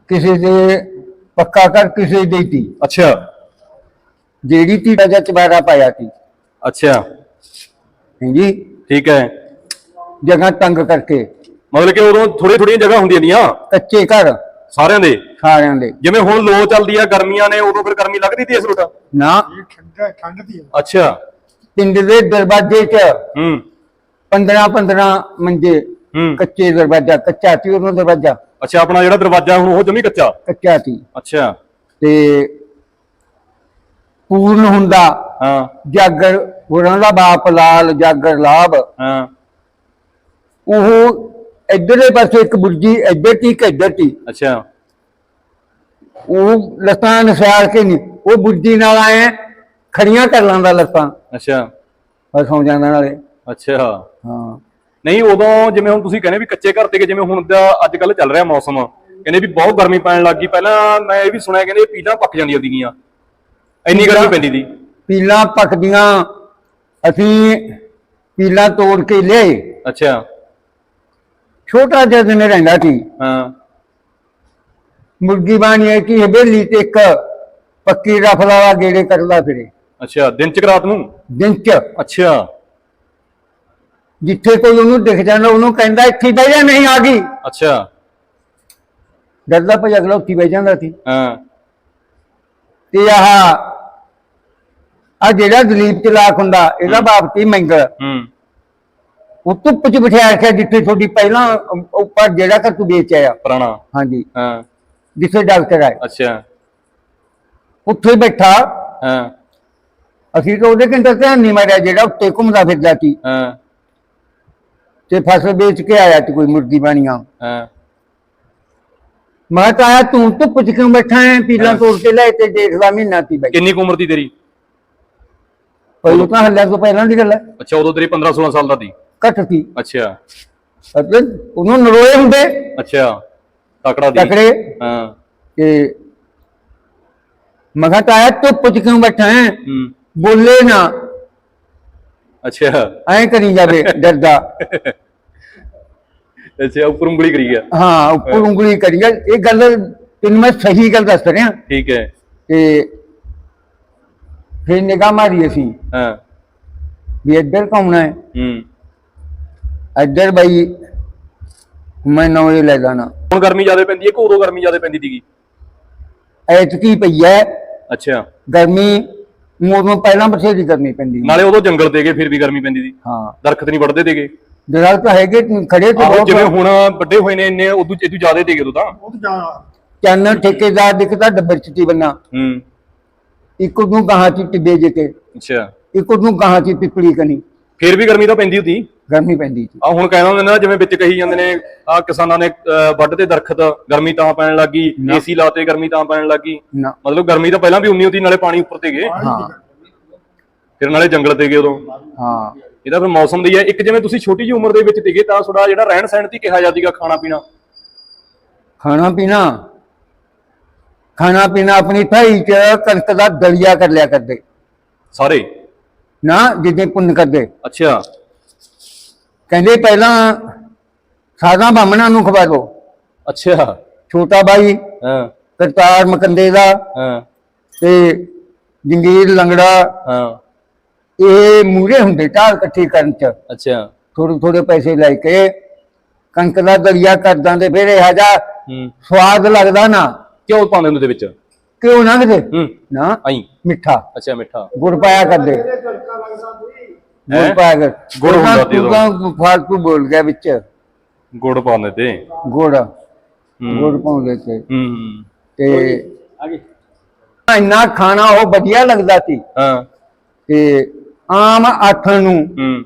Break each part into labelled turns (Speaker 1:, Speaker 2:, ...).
Speaker 1: ਕਿਸੇ ਦੇ ਪੱਕਾ ਕਰ ਕਿਸੇ ਦੀ ਤੀ
Speaker 2: ਅੱਛਾ
Speaker 1: ਜਿਹੜੀ ਤੀ ਦਾ ਚਬਾਰਾ ਪਾਇਆ ਸੀ।
Speaker 2: ਅੱਛਾ
Speaker 1: ਹਾਂਜੀ
Speaker 2: ਠੀਕ ਹੈ।
Speaker 1: ਜਗ੍ਹਾ ਤੰਗ ਕਰਕੇ
Speaker 2: ਮਤਲਬ ਕਿ ਉਦੋਂ ਥੋੜੀਆਂ ਥੋੜੀਆਂ ਜਗ੍ਹਾ ਹੁੰਦੀਆਂ ਦੀਆਂ
Speaker 1: ਕੱਚੇ ਘਰ
Speaker 2: ਸਾਰਿਆਂ ਦੇ।
Speaker 1: ਸਾਰਿਆਂ ਦੇ।
Speaker 2: ਜਿਵੇਂ ਹੁਣ ਲੋ ਚੱਲਦੀ ਆ ਗਰਮੀਆਂ ਨੇ ਉਦੋਂ ਫਿਰ ਗਰਮੀ ਲੱਗਦੀ ਤੀ ਇਸ ਰੋਟਾ
Speaker 1: ਨਾ
Speaker 3: ਠੰਡ ਦੀ
Speaker 2: ਅੱਛਾ
Speaker 1: ਪਿੰਡ ਦੇ ਦਰਵਾਜ਼ੇ 'ਚ
Speaker 2: ਹੂੰ
Speaker 1: 15 ਮੰਜੇ
Speaker 2: ਹੂੰ
Speaker 1: ਕੱਚੇ ਦਰਵਾਜ਼ਾ ਕੱਚਾ ਸੀ ਉਹਨਾਂ ਦਰਵਾਜ਼ਾ
Speaker 2: ਅੱਛਾ ਆਪਣਾ ਜਿਹੜਾ ਦਰਵਾਜ਼ਾ ਹੁਣ ਉਹ ਜਮੀ ਕੱਚਾ
Speaker 1: ਕੱਚਾ ਸੀ
Speaker 2: ਅੱਛਾ
Speaker 1: ਤੇ ਪੂਰਨ ਹੁੰਦਾ
Speaker 2: ਹਾਂ
Speaker 1: ਜਾਗਰ ਹੋਰਾਂ ਦਾ ਬਾਪ ਲਾਲ ਜਾਗਰ ਲਾਭ
Speaker 2: ਹਾਂ
Speaker 1: ਉਹ ਇਧਰਲੇ ਪਾਸੇ ਇੱਕ ਬੁਰਜੀ ਇੱਧਰ ਤੀ ਇੱਕ ਇੱਧਰ ਤੀ
Speaker 2: ਅੱਛਾ
Speaker 1: ਉਹ ਲੱਤਾਂ ਨਸਾਰ ਕੇ ਨਹੀਂ ਉਹ ਬੁਰਜੀ ਨਾਲ ਆਏ ਖੜੀਆਂ ਕਰ ਲਾਂਦਾ ਲੱਤਾਂ
Speaker 2: ਅੱਛਾ
Speaker 1: ਬਸ ਸੌਂ ਜਾਂਦਾ ਨਾਲੇ।
Speaker 2: ਅੱਛਾ
Speaker 1: ਹਾਂ
Speaker 2: ਨਹੀਂ ਉਦੋਂ ਜਿਵੇਂ ਹੁਣ ਤੁਸੀਂ ਕਹਿੰਦੇ ਵੀ ਕੱਚੇ ਘਰ ਤੇ ਜਿਵੇਂ ਹੁਣ ਦਾ ਅੱਜ ਕੱਲ ਚੱਲ ਰਿਹਾ ਮੌਸਮ ਕਹਿੰਦੇ ਵੀ ਬਹੁਤ ਗਰਮੀ ਪੈਣ ਲੱਗ ਗਈ। ਪਹਿਲਾਂ ਮੈਂ ਇਹ ਵੀ ਸੁਣਿਆ ਕਹਿੰਦੇ ਪੀਲਾਂ ਪੱਕ ਜਾਂਦੀਆਂ ਸੀਗੀਆਂ ਇੰਨੀ ਗਰਮੀ ਪੈਂਦੀ ਸੀ।
Speaker 1: ਪੀਲਾਂ ਪੱਕਦੀਆਂ ਅਸੀਂ ਪੀਲਾਂ ਤੋੜ ਕੇ ਲਿਆਏ।
Speaker 2: ਅੱਛਾ
Speaker 1: ਛੋਟਾ ਜਿਹਾ ਦਿਨ ਰਹਿੰਦਾ ਸੀ।
Speaker 2: ਹਾਂ
Speaker 1: ਮੁਰਗੀ ਬਾਣੀ ਹੈ ਕਿ ਹਵੇਲੀ ਤੇ ਇੱਕ ਪੱਕੀ ਰਫਲ ਵਾਲਾ ਗੇੜੇ ਕਰਦਾ ਫਿਰੇ
Speaker 2: ਅੱਛਾ ਦਿਨ ਚ ਰਾਤ ਨੂੰ
Speaker 1: ਦਿਨ ਚ।
Speaker 2: ਅੱਛਾ
Speaker 1: ਜਿੱਥੇ ਕੋਈ ਉਹਨੂੰ ਦਿਖ ਜਾਂਦਾ ਉਹਨੂੰ ਕਹਿੰਦਾ ਇੱਥੇ ਬਹਿ ਜਾ ਨਹੀਂ ਆ ਗਈ
Speaker 2: ਅੱਛਾ
Speaker 1: ਡਰਦਾ ਭਈ ਅਗਲਾ ਉੱਥੇ ਬਹਿ ਜਾਂਦਾ ਸੀ।
Speaker 2: ਹਾਂ
Speaker 1: ਤੇ ਆਹ ਜਿਹੜਾ ਦਲੀਪ ਚਲਾਕ ਹੁੰਦਾ ਇਹਦਾ ਬਾਪ ਸੀ ਮੰਗਲ
Speaker 2: ਹੂੰ
Speaker 1: ਉਹ ਧੁੱਪ ਚ ਬਿਠਾਇਆ ਰੱਖਿਆ ਜਿੱਥੇ ਤੁਹਾਡੀ ਪਹਿਲਾਂ ਉੱਪਰ ਜਿਹੜਾ ਕਿ ਤੂੰ ਵੇਚ ਆਇਆ
Speaker 2: ਪੁਰਾਣਾ
Speaker 1: ਹਾਂਜੀ
Speaker 2: ਹਾਂ
Speaker 1: ਜਿੱਥੇ ਡਾਕਟਰ ਆਏ
Speaker 2: ਅੱਛਾ
Speaker 1: ਉੱਥੇ ਬੈਠਾ।
Speaker 2: ਹਾਂ
Speaker 1: ਅਸੀਂ ਤਾਂ ਉਹਦੇ ਕਿੰਨਾ ਧਿਆਨ ਨਹੀਂ ਮਾਰਿਆ ਜਿਹੜਾ ਉੱਤੇ ਘੁੰਮਦਾ ਫਿਰਦਾ ਸੀ
Speaker 2: ਹਾਂ
Speaker 1: ਤੇ ਫਸਲ ਵੇਚ ਕੇ ਆਇਆ ਸੀ ਕੋਈ ਮੁਰਗੀ ਬਾਣੀਆਂ।
Speaker 2: ਹਾਂ
Speaker 1: ਮੈਂ ਤਾਂ ਆਇਆ ਤੂੰ ਧੁੱਪ ਚ ਕਿਉਂ ਬੈਠਾ ਹੈ ਪੀਲਾਂ ਤੋੜ ਕੇ ਲੈ ਤੇ ਦੇਖਦਾ ਮਹੀਨਾ ਸੀ ਬਈ
Speaker 2: ਕਿੰਨੀ ਕੁ ਉਮਰ ਦੀ ਤੇਰੀ
Speaker 1: ਪਹਿਲਾਂ ਤਾਂ ਹੱਲਿਆ ਤੋਂ ਪਹਿਲਾਂ ਦੀ ਗੱਲ ਹੈ
Speaker 2: ਅੱਛਾ ਉਦੋਂ ਤੇਰੀ 15 16 ਸਾਲ ਦਾ ਸੀ
Speaker 1: ਘੱਟ ਸੀ
Speaker 2: ਅੱਛਾ
Speaker 1: ਉਹਨੂੰ ਨਰੋਏ ਹੁੰਦੇ
Speaker 2: ਅੱਛਾ ਤਕੜਾ ਦੀ
Speaker 1: ਤਕੜੇ
Speaker 2: ਹਾਂ
Speaker 1: ਤੇ ਮੈਂ ਕਿਹਾ ਤਾਇਆ ਧੁੱਪ ਚ ਕਿਉਂ ਬੈਠਾ ਹੈ
Speaker 2: ਹੂੰ
Speaker 1: ਬੋਲੇ ਨਾ
Speaker 2: ਅੱਛਾ
Speaker 1: ਐਂ ਕਰੀ ਜਾਵੇ ਡਰਦਾ।
Speaker 2: ਅੱਛਾ ਉੱਪਰ ਉਂਗਲੀ ਕਰੀ ਗਿਆ
Speaker 1: ਹਾਂ ਉੱਪਰ ਉਂਗਲੀ ਕਰੀ ਜਾ ਇਹ ਗੱਲ ਤੈਨੂੰ ਮੈਂ ਸਹੀ ਗੱਲ ਦੱਸ ਰਿਹਾ।
Speaker 2: ਠੀਕ ਹੈ
Speaker 1: ਤੇ ਫਿਰ ਨਿਗਾਹ ਮਾਰੀ ਅਸੀਂ
Speaker 2: ਹਾਂ
Speaker 1: ਵੀ ਇੱਧਰ ਘੁੰਮਣਾ ਹੈ
Speaker 2: ਹੂੰ
Speaker 1: ਇੱਧਰ ਬਈ ਮੈਂ ਨੌਂ ਲੈ ਜਾਣਾ।
Speaker 2: ਹੁਣ ਗਰਮੀ ਜ਼ਿਆਦਾ ਪੈਂਦੀ ਹੈ ਕਿ ਉਦੋਂ ਗਰਮੀ ਜ਼ਿਆਦਾ ਪੈਂਦੀ ਸੀਗੀ
Speaker 1: ਐਤਕੀ ਪਈ ਹੈ
Speaker 2: ਅੱਛਾ
Speaker 1: ਗਰਮੀ ਮੋਦੋਂ ਪਹਿਲਾਂ ਬਥੇਰੀ ਕਰਨੀ ਪੈਂਦੀ।
Speaker 2: ਨਾਲੇ ਉਦੋਂ ਜੰਗਲ ਤੇਗੇ ਫਿਰ ਵੀ ਗਰਮੀ ਪੈਂਦੀ ਸੀ
Speaker 1: ਹਾਂ
Speaker 2: ਦਰਖਤ ਨਹੀਂ ਵੱਢਦੇ ਤੇਗੇ
Speaker 1: ਦਰਖਤ ਹੈਗੇ ਖੜੇ ਤੇ
Speaker 2: ਆਹੋ ਜਿਵੇਂ
Speaker 1: ਬਹੁਤ
Speaker 2: ਹੁਣ ਵੱਡੇ ਹੋਏ ਨੇ ਇੰਨੇ ਉਦੋਂ ਇਦੋਂ ਜ਼ਿਆਦਾ ਤੇਗੇ ਉਦੋਂ ਤਾਂ
Speaker 3: ਉਹ ਤਾਂ ਜ਼ਿਆਦਾ
Speaker 1: ਚੰਨ ਠੇਕੇਦਾਰ ਦਿਖਦਾ ਡੱਬਰ ਚ ਤੀ ਬੰਨਾ
Speaker 2: ਹੂੰ
Speaker 1: ਇੱਕ ਨੂੰ ਗਾਹਾਂ ਚ ਟਿੱਬੇ ਜੇ ਕੇ
Speaker 2: ਅੱਛਾ
Speaker 1: ਇੱਕ ਨੂੰ ਗਾਹਾਂ ਚ ਪਿਪਲੀ ਕਨੀ
Speaker 2: ਫਿਰ ਵੀ ਗਰਮੀ ਤਾਂ ਪੈਂਦੀ ਹੁੰਦੀ
Speaker 1: ਗਰਮੀ ਪੈਂਦੀ ਸੀ।
Speaker 2: ਆ ਹੁਣ ਕਹਿੰਦਾ ਹੁੰਦੇ ਨੇ ਨਾ ਜਿਵੇਂ ਵਿੱਚ ਕਹੀ ਜਾਂਦੇ ਨੇ ਆ ਕਿਸਾਨਾਂ ਨੇ ਵੱਢ ਤੇ ਦਰਖਤ ਗਰਮੀ ਤਾਂ ਪੈਣ ਲੱਗੀ ਏਸੀ ਲਾਤੇ ਗਰਮੀ ਤਾਂ ਪੈਣ ਲੱਗੀ
Speaker 1: ਨਾ
Speaker 2: ਮਤਲਬ ਗਰਮੀ ਤਾਂ ਪਹਿਲਾਂ ਵੀ ਉਨੀ ਹੁੰਦੀ ਨਾਲੇ ਪਾਣੀ ਉੱਪਰ ਤੇ ਗਏ
Speaker 1: ਹਾਂ
Speaker 2: ਫਿਰ ਨਾਲੇ ਜੰਗਲ ਤੇ ਗਏ ਉਦੋਂ
Speaker 1: ਹਾਂ
Speaker 2: ਇਹਦਾ ਫਿਰ ਮੌਸਮ ਦੀ ਹੈ ਇੱਕ ਜਿਵੇਂ ਤੁਸੀਂ ਛੋਟੀ ਜਿਹੀ ਉਮਰ ਦੇ ਵਿੱਚ ਤੀਗੇ ਤਾਂ ਥੋੜਾ ਜਿਹੜਾ ਰਹਿਣ ਸਹਿਣ ਦੀ ਕਿਹਾ ਜਾਂਦੀਗਾ ਖਾਣਾ ਪੀਣਾ
Speaker 1: ਖਾਣਾ ਪੀਣਾ ਆਪਣੀ ਥਾਈ ਚ ਕਣਕ ਦਾ ਦਲੀਆ ਕਰ ਲਿਆ ਕਰਦੇ
Speaker 2: ਸਾਰੇ
Speaker 1: ਨਾ ਜਿੱਦੇ ਪੁੰਨ ਕਰਦੇ।
Speaker 2: ਅੱਛਾ
Speaker 1: ਕਹਿੰਦੇ ਪਹਿਲਾਂ ਸਾਦਾ ਬਾਹਮਣਾਂ ਨੂੰ ਖਵਾ ਦੋ।
Speaker 2: ਅੱਛਾ
Speaker 1: ਛੋਟਾ ਬਾਈ
Speaker 2: ਹਾਂ
Speaker 1: ਕਰਤਾਰ ਮਕੰਦੇ ਦਾ
Speaker 2: ਹਾਂ
Speaker 1: ਤੇ ਜੰਗੀਰ ਲੰਗੜਾ
Speaker 2: ਹਾਂ
Speaker 1: ਇਹ ਮੂਰੇ ਹੁੰਦੇ ਢਾਲ ਇਕੱਠੀ ਕਰਨ ਚ
Speaker 2: ਅੱਛਾ
Speaker 1: ਥੋੜੇ ਥੋੜੇ ਪੈਸੇ ਲੈ ਕੇ ਕਣਕ ਦਾ ਦਲੀਆ ਕਰ ਦਿੰਦੇ ਫਿਰ ਇਹ ਜਾ
Speaker 2: ਹੂੰ
Speaker 1: ਸਵਾਦ ਲੱਗਦਾ ਨਾ
Speaker 2: ਕਿਉਂ ਪਾਉਂਦੇ ਹੁੰਦੇ ਦੇ ਵਿੱਚ
Speaker 1: ਕਿਉਂ ਨਾ ਕਿਤੇ
Speaker 2: ਹੂੰ
Speaker 1: ਨਾ
Speaker 2: ਆਈ
Speaker 1: ਮਿੱਠਾ
Speaker 2: ਅੱਛਾ ਮਿੱਠਾ
Speaker 1: ਗੁੜ ਪਾਇਆ ਕਰਦੇ ਗੁੜ ਪਾਇਆ ਕਰ
Speaker 2: ਗੁੜ ਹੁੰਦਾ ਸੀ ਉਦੋਂ।
Speaker 1: ਤੂੰ ਫਾਲਤੂ ਬੋਲ ਗਿਆ ਵਿੱਚ
Speaker 2: ਗੁੜ ਪਾਉਂਦੇ ਤੇ
Speaker 1: ਗੁੜ
Speaker 2: ਹੂੰ
Speaker 1: ਗੁੜ ਪਾਉਂਦੇ ਤੇ
Speaker 2: ਹੂੰ
Speaker 1: ਤੇ ਇੰਨਾ ਖਾਣਾ ਉਹ ਵਧੀਆ ਲੱਗਦਾ ਸੀ
Speaker 2: ਹਾਂ
Speaker 1: ਤੇ ਆਮ ਆਥਣ ਨੂੰ
Speaker 2: ਹੂੰ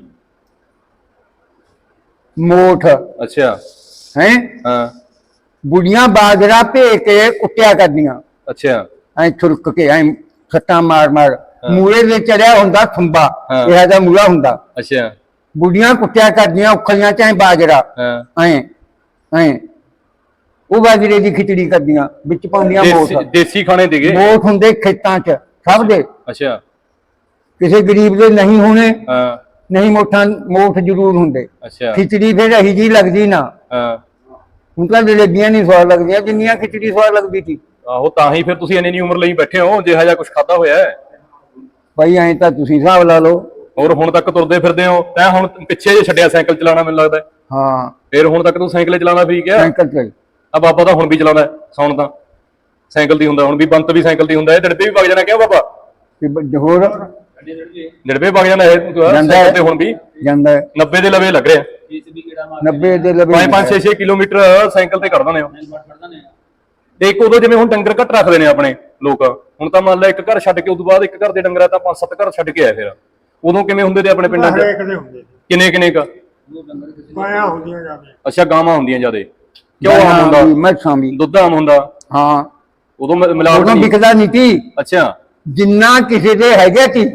Speaker 1: ਮੋਠ
Speaker 2: ਅੱਛਾ
Speaker 1: ਹੈ
Speaker 2: ਹਾਂ
Speaker 1: ਬੁੜੀਆਂ ਬਾਜਰਾ ਭੇ ਕੇ ਕੁੱਟਿਆ ਕਰਦੀਆਂ
Speaker 2: ਅੱਛਾ
Speaker 1: ਐ ਛੁਰਕ ਕੇ ਐ ਸੱਟਾਂ ਮਾਰ ਮਾਰ ਮੂਲੇ ਦੇ ਚੜਿਆ ਹੁੰਦਾ ਖੰਬਾ
Speaker 2: ਹਾਂ।
Speaker 1: ਇਹੋ ਜਿਹਾ ਮੂਲਾ ਹੁੰਦਾ
Speaker 2: ਅੱਛਾ
Speaker 1: ਬੁੜੀਆਂ ਕੁੱਟਿਆ ਕਰਦੀਆਂ ਉਖਲੀਆਂ ਚ ਐ ਬਾਜਰਾ
Speaker 2: ਹਾਂ
Speaker 1: ਐ ਐ ਉਹ ਬਾਜਰੇ ਦੀ ਖਿਚੜੀ ਕਰਦੀਆਂ ਵਿੱਚ ਪਾਉਂਦੀਆਂ ਮੋਠ
Speaker 2: ਦੇਸੀ ਖਾਣੇ ਦੀਗੇ
Speaker 1: ਮੋਠ ਹੁੰਦੇ ਖੇਤਾਂ ਚ ਸਭ ਦੇ
Speaker 2: ਅੱਛਾ
Speaker 1: ਕਿਸੇ ਗਰੀਬ ਦੇ ਨਹੀਂ ਹੋਣੇ
Speaker 2: ਹਾਂ
Speaker 1: ਨਹੀਂ ਮੋਠ ਜ਼ਰੂਰ ਹੁੰਦੇ।
Speaker 2: ਅੱਛਾ
Speaker 1: ਖਿਚੜੀ ਫਿਰ ਇਹੀ ਜੀ ਲੱਗਦੀ ਨਾ
Speaker 2: ਹਾਂ
Speaker 1: ਹੁਣ ਤਾਂ ਜਲੇਬੀਆਂ ਨਹੀਂ ਸਵਾਦ ਲੱਗਦੀਆਂ ਜਿੰਨੀਆਂ ਖਿਚੜੀ ਸਵਾਦ ਲੱਗਦੀ ਸੀ।
Speaker 2: ਆਹੋ ਤਾਂ ਹੀ ਫਿਰ ਤੁਸੀਂ ਇੰਨੀ ਉਮਰ ਲਈ ਬੈਠੇ ਹੋ, ਜਿਹਾ ਜਿਹਾ ਕੁਝ ਖਾਦਾ ਹੋਇਆ ਹੈ।
Speaker 1: ਭਾਈ ਐਂ ਤਾਂ ਤੁਸੀਂ ਹਿਸਾਬ ਲਾ ਲਓ।
Speaker 2: ਹੋਰ ਹੁਣ ਤੱਕ ਤੁਰਦੇ ਫਿਰਦੇ ਹੋ, ਤੈਂ ਹੁਣ ਪਿੱਛੇ ਜੇ ਛੱਡਿਆ ਸਾਈਕਲ ਚਲਾਉਣਾ ਮੈਨੂੰ ਲੱਗਦਾ ਹੈ।
Speaker 1: ਹਾਂ
Speaker 2: ਫਿਰ ਹੁਣ ਤੱਕ ਤੂੰ ਸਾਈਕਲ ਚਲਾਉਣਾ ਠੀਕ ਹੈ।
Speaker 1: ਸਾਈਕਲ ਤੇ
Speaker 2: ਆ ਬਾਬਾ ਤਾਂ ਹੁਣ ਵੀ ਚਲਾਉਂਦਾ ਹੈ, ਸੌਣ ਤਾਂ ਸਾਈਕਲ ਦੀ ਹੁੰਦਾ, ਹੁਣ ਵੀ ਬੰਤ ਵੀ ਸਾਈਕਲ ਦੀ ਹੁੰਦਾ, ਇਹ ਡੜਬੇ ਵੀ ਵਗ ਜਾਣਾ ਕਿਉਂ ਬਾਬਾ?
Speaker 1: ਹੋਰ
Speaker 2: ਡੜਬੇ ਵਗ ਜਾਣਾ ਇਹ
Speaker 1: ਜਾਂਦਾ
Speaker 2: ਸਾਈਕਲ
Speaker 1: ਹੈ।
Speaker 2: ਤੇ ਹੁਣ ਵੀ
Speaker 1: ਜਾਂਦਾ ਹੈ।
Speaker 2: 90 ਦੇ ਲਵੇ ਲੱਗ ਰਿਹਾ।
Speaker 1: 90 ਦੇ ਲਵੇ
Speaker 2: 5-5 6-6 ਕਿਲੋਮੀਟਰ ਸਾਈਕਲ ਤੇ ਕੱਢ ਦਿੰਦੇ ਹੋ। ਤੇ ਇੱਕ ਉਦੋਂ ਜਿਵੇਂ ਹੁਣ ਡੰਗਰ ਘੱਟ ਰੱਖਦੇ ਨੇ ਆਪਣੇ ਲੋਕ, ਹੁਣ ਤਾਂ ਮੰਨ ਲਾ ਇੱਕ ਘਰ ਛੱਡ ਕੇ ਉਦੋਂ ਬਾਅਦ ਇੱਕ ਘਰ ਦੇ ਡੰਗਰਾ ਤਾਂ 5-7 ਘਰ ਛੱਡ ਕੇ ਆਏ। ਫਿਰ ਉਦੋਂ ਕਿਵੇਂ ਹੁੰਦੇ ਤੇ ਆਪਣੇ ਪਿੰਡਾਂ 'ਚ?
Speaker 3: ਹਰੇਕ ਦੇ ਹੁੰਦੇ
Speaker 2: ਕਿੰਨੇ ਕ?
Speaker 3: ਪਾਇਆ ਹੁੰਦੀਆਂ ਜਾਂਦੇ।
Speaker 2: ਅੱਛਾ, ਗਾਵਾਂ ਹੁੰਦੀਆਂ ਜਿਆਦੇ, ਕਿਉਂ ਆਮ ਹੁੰਦਾ,
Speaker 1: ਮੱਛਾਂ ਵੀ।
Speaker 2: ਦੁੱਧ ਆਮ ਹੁੰਦਾ।
Speaker 1: ਹਾਂ
Speaker 2: ਉਦੋਂ ਮਿਲਾਵਟ
Speaker 1: ਉਦੋਂ
Speaker 2: ਨਹੀਂ।
Speaker 1: ਵਿਕਦਾ ਨਹੀਂ ਸੀ।
Speaker 2: ਅੱਛਾ।
Speaker 1: ਜਿੰਨਾ ਕਿਸੇ ਦੇ ਹੈਗੇ ਸੀ